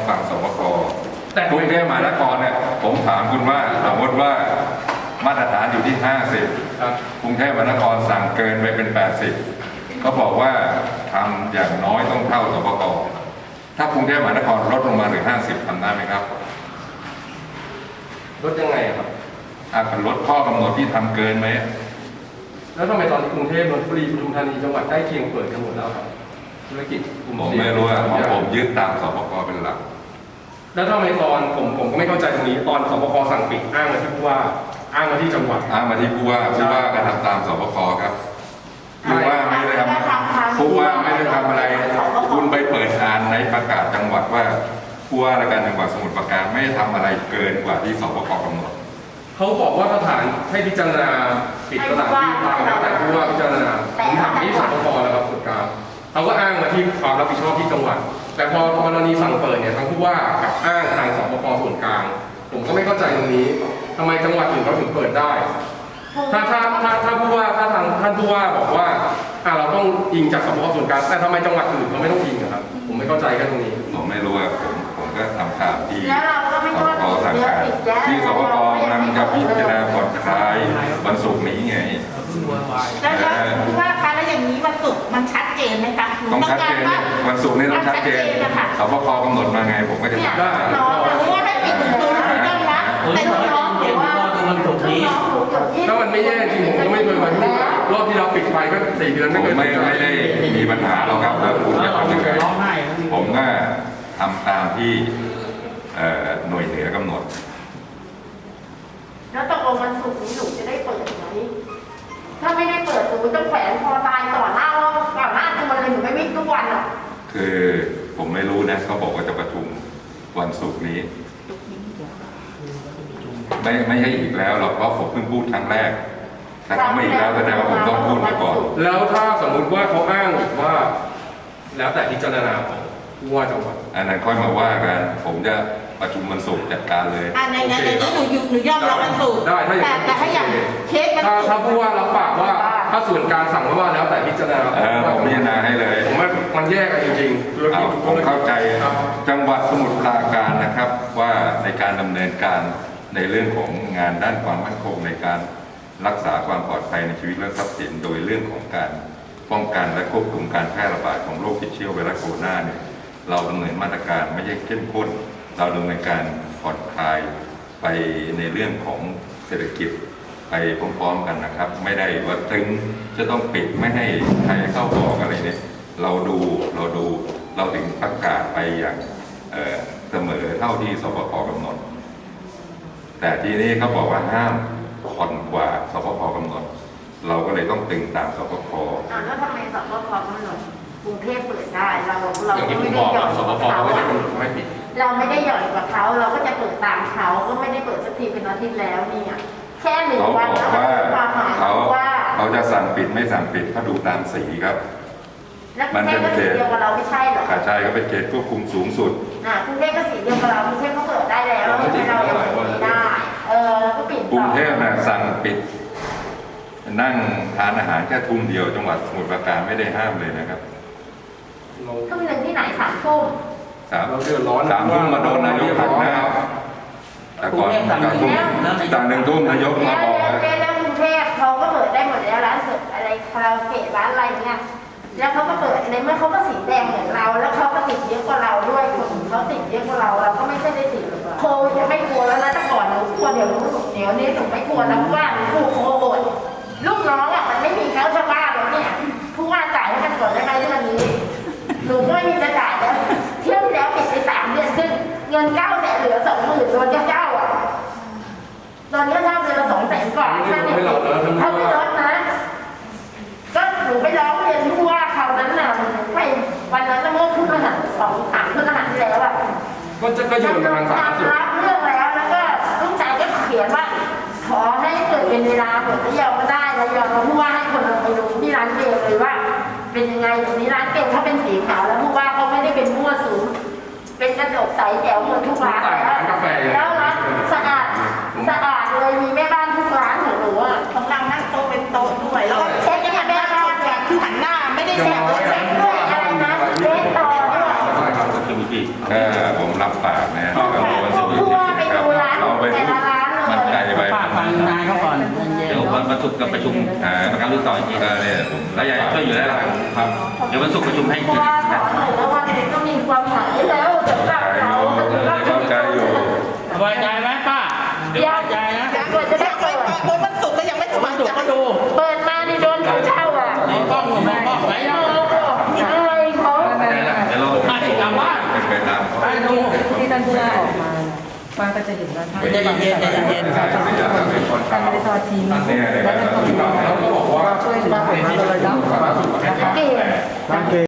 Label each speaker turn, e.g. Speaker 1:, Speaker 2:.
Speaker 1: ฟังสบคกรุงเทพมหานครเนี่ยผมถามคุณว่าสมมติว่ามาตรฐานอยู่ที่50กรุงเทพมหานครสั่งเกินไปเป็น80เขาบอกว่าทำอย่างน้อยต้องเท่าสบคถ้ากรุงเทพมหานครลดลงมาเหลือ50ทำได้ไหมครับ
Speaker 2: ลดยังไงครับ
Speaker 1: ลดข้อกำหนดที่ทำเกินไหม
Speaker 2: แล้วทำไมตอนนี้กรุงเทพนนทบุรีปทุมธานีจังหวัดใกล้เคียงเปิดกันหมดแล้วครับธุรกิจ
Speaker 1: ผมไม่รู้อะผมยึดตามสบคเป็นหลัก
Speaker 2: แล้วทำไมตอนผมก็ไม่เข้าใจตรงนี้ตอนสบคสั่งปิดอ้างมาที่ผู้ว่าอ้างมาที่จังหวัด
Speaker 1: อ้างมาที่ผู้ว่าก็ทำตามสบคครับผู้ว่าไม่ได้ทำผู้ว่าไม่ได้ทำอะไรคุณไปเปิดอ่านในประกาศจังหวัดว่าผู้ว่าราชการจังหวัดสมุทรปราการไม่ได้ทำอะไรเกินกว่าที่สบคกำหนด
Speaker 2: เขาบอกว่าสถานให้พิจารณาปิดสถานที่ตามแล้วแต่ผู้ว่าพิจารณาผมถามที่สบคแล้วครับส่วนกลางเขาก็อ้างมาที่ความรับผิดชอบที่จังหวัดแต่พอกรณีสั่งเปิดเนี่ยทางผู้ว่ากับอ้างทางสบคส่วนกลางผมก็ไม่เข้าใจตรงนี้ทำไมจังหวัดอื่นเขาถึงเปิดได้ถ้าผู้ว่าถ้าทางท่านผู้ว่าบอกว่าเราต้องอิงจากสบคส่วนกลางแต่ทำไมจังหวัดอื่นเขาไม่ต้องอิงครับผมไม่เข้าใจแค่ตรงนี้
Speaker 1: ผมไม่รู้ว่าผมก็ทำข่าวที่
Speaker 3: สบค
Speaker 1: สั่งการที่สบคกำลังจะพิจารณาผ่อนคลายวันศุกร์นี้ไง
Speaker 3: แล้วผู้ว่าคะแล้วอย่างนี้วันศุกร์มันชัดเจนไหมคะ
Speaker 1: ต้องชัดเจนวันศุกร์นี่ต้องชัดเจนสบคกำหนดมาไงผมก็จะทำได้
Speaker 3: น้องรู้ว่าให้ปิดตัวไม่ต้องนะแต่น้องบอกว่า
Speaker 2: ถ้ามันไม่แย่จริงผมก็ไม่เคยมาที่รอบที่เราปิดไปก็4 เดือน
Speaker 1: ไม่ได้มีปัญหาหรอกครับแล้วคุณจะทำยังไงผมก็ทำตามที่หน่วยเหนือกำหนด
Speaker 3: แล้วตกลงวันศุกร์นี้หนูจะได้เปิดไหมถ้าไม่ได้เปิดหนูจะแขวนคอตายก่อนหน้าจะมาเลยหนูไม่วิ่งทุกวันหรอก
Speaker 1: คือผมไม่รู้นะเขาบอกว่าจะประชุมวันศุกร์นี้ไม่ใช่อีกแล้วหรอกเพราะผมเพิ่งพูดครั้งแรกแต่เขาไม่อีกแล้วแสดงว่าผมต้องพูดมาก่อน
Speaker 2: แล้วถ้าสมมุติว่าเขาอ้างอีกว่าแล้วแต่พิจารณาของผู้ว่าจังหวัด
Speaker 1: อันนั้นค่อยมาว่ากันผมจะประชุมวันศุกร์จัดการเลย
Speaker 3: ในนั้นหนูยอมรับวันศุกร์
Speaker 2: ได้
Speaker 3: แต่ถ้าอย่างเคส
Speaker 2: ถ้าผู้ว่ารับปากว่าถ้าส่วนกลางสั่งว่าแล้วแต่พิจารณา
Speaker 1: ผมพิจารณาให้เลย
Speaker 2: ผมว่ามันแยกกันจริง
Speaker 1: ๆผมเข้าใจจังหวัดสมุทรปราการนะครับว่าในการดำเนินการในเรื่องของงานด้านความมั่นคงในการรักษาความปลอดภัยในชีวิตและทรัพย์สินโดยเรื่องของการป้องกันและควบคุมการแพร่ระบาดของโรคติดเชื้อไวรัสโคโรนาเนี่ยเราดำเนินมาตรการไม่ใช่เข้มข้นเราดำเนินการผ่อนคลายไปในเรื่องของเศรษฐกิจไปพร้อมๆกันนะครับไม่ได้ว่าถึงจะต้องปิดไม่ให้ใครเข้าออกอะไรเนี่ยเราถึงประกาศไปอย่างเสมอเท่าที่สบคกำหนดแต่ทีนี้เขาบอกว่าห้ามผ่อนกว่าสบคกำหนดเราก็เลยต้องตึงตามสบค
Speaker 3: แล้วทำไมสบคกำหนดกรุงเทพเปิดได้เราไม่ได้หย่อน
Speaker 2: สบคเขาไม่ได้กำหนดไม่ปิด
Speaker 3: เราไม่ได้หย่อนกว่าเขาเราก็จะเปิดตามเขาก็ไม่ได้เปิดสักทีเป็นอาทิตย์แล้วเนี่ยแค่1 วัน
Speaker 1: แล้วเขาจะสั่งปิดไม่สั่งปิดเขาดูตามสีครับ
Speaker 3: มันเป็นเขตเดียวกับเราไม่ใช่หรอ
Speaker 1: ใช่ก็เป็นเขตควบคุมสูงสุด
Speaker 3: กรุงเทพก็สีเดียวกับเรากรุงเทพก็เปิดได้แล้วเรายังเปิดไม่ได้แล้วก็ปิด
Speaker 1: กรุงเทพน่ะสั่งปิดนั่งทานอาหารแค่ทุ่มเดียวจังหวัดสมุทรปราการไม่ได้ห้ามเลยนะครับ
Speaker 3: ทุ่มหนึ่งที่ไหน3 ทุ่ม
Speaker 2: เราเดือดร้อน
Speaker 1: 3 ทุ่มมาโดนนายกหักหน้าแต่ก่อนสั่ง1 ทุ่มนายกมาบอก
Speaker 3: แล้วกรุงเทพเขาก็เปิดได้หมดแล้วร้านเสิร์ฟอะไรคาราโอเกะร้านอะไรเนี่ยแล้วเขาก็เปิดในเมื่อเขาก็สีแดงเหมือนเราแล้วเขาก็ติดเยอะกว่าเราด้วยคนเขาติดเยอะกว่าเราก็ไม่ใช่ได้ติดโควิดจะไม่กลัวแล้วนะแต่ก่อนหนูกลัวเดี๋ยวนี้หนูไม่กลัวแล้วว่าหนูโควิดลูกน้องมันไม่มีเขาชาวบ้านแล้วเนี่ยผู้ว่าจ่ายให้มันก่อนได้ไหมเรื่องนี้หนูก็ไม่มีจะจ่ายแล้วเที่ยวแล้วปิดไป3 เดือนซึ่งเงิน900,000เหลือ20,000โดนเจ้าตอนนี้เจ้าเดือนละ200,000 กว่าแค่นี้เขาไม่ลดนะก็หนูไปร้องเรียนผู้ว่าเขานั้นน่ะไปวันนั้นเมื่อขึ้นรหัส2-3 ขึ้นรหัสที่แล้ว
Speaker 2: ก็โยนทางสาธารณสุข
Speaker 3: รับเรื่องแล้วก็ลูกชายก็เขียนว่าขอให้เกิดเป็นเวลาเปิดที่ยาวก็ได้แล้วยอมผู้ว่าให้คนเราไปดูที่ร้านเกลเลยว่าเป็นยังไงตรงนี้ร้านเกลเขาเป็นสีขาวแล้วผู้ว่าเขาไม่ได้เป็นมั่วสุมเป็นกระจกใสแจ๋วเหมือนทุกร้านแล้วร้านสะอาดเลยมีแม่บ้านทุกร้านของหนูของเรานั่งโต๊ะเป็นโต๊ะด้วยแล้วก็เช็คแม่บ้านคือหันหน้าไม่ได้แช่ด้วยอะไรนะเช็คต่อด้วย
Speaker 1: ผมรับฝากนะ
Speaker 3: ใช่ค่ะทั่วไปดูร้านแต่ละร้านเลย
Speaker 1: มันไกลไป
Speaker 4: ฝากฟังนายเขาก่อนเย็น
Speaker 5: เดี๋ยววันศุกร์จะประชุมประกันรุ่นต่ออีกที
Speaker 1: เนี่ย
Speaker 5: แล้วยายช่วยอยู่แล้วล่ะครับเดี๋ยววันศุกร์ประชุมให้อีก
Speaker 3: เพ
Speaker 5: ที
Speaker 3: ราะว่าสอนหน่อยแล้ววันนี้ก็มีความหมายแล้วสำหรับเราสำหรับ
Speaker 1: เข้าใจอยู่
Speaker 4: สบายใจไหมป้าสบายใจนะ
Speaker 3: กว่าจะได้เปิด
Speaker 6: วันศุกร์ก็ยังไม่ส
Speaker 4: มั
Speaker 6: บาน ย
Speaker 4: ถู
Speaker 6: ใจ
Speaker 4: กก็ดู
Speaker 3: เปิดมานี่โดนเขาเช่าอ่ะ
Speaker 4: มองกล้องมองกล้องไหนยัง
Speaker 3: อะไรเขา
Speaker 5: เดี๋ยวเรา
Speaker 4: ให้กลับบ้าน
Speaker 1: เป็นไปตาม
Speaker 4: ไปดู
Speaker 7: ที่ท่านผู้ว่าออกมาป้าก็จะเห็นว่าท่าน
Speaker 4: ใจเย็นใจเย็น
Speaker 7: ท่านไม่ได้ทอดทิ้งและท่านก็มี
Speaker 2: เขาก็บอกว่า
Speaker 7: ช่วยเหลือผมมาโดยตลอดนะคะ
Speaker 3: เก่ง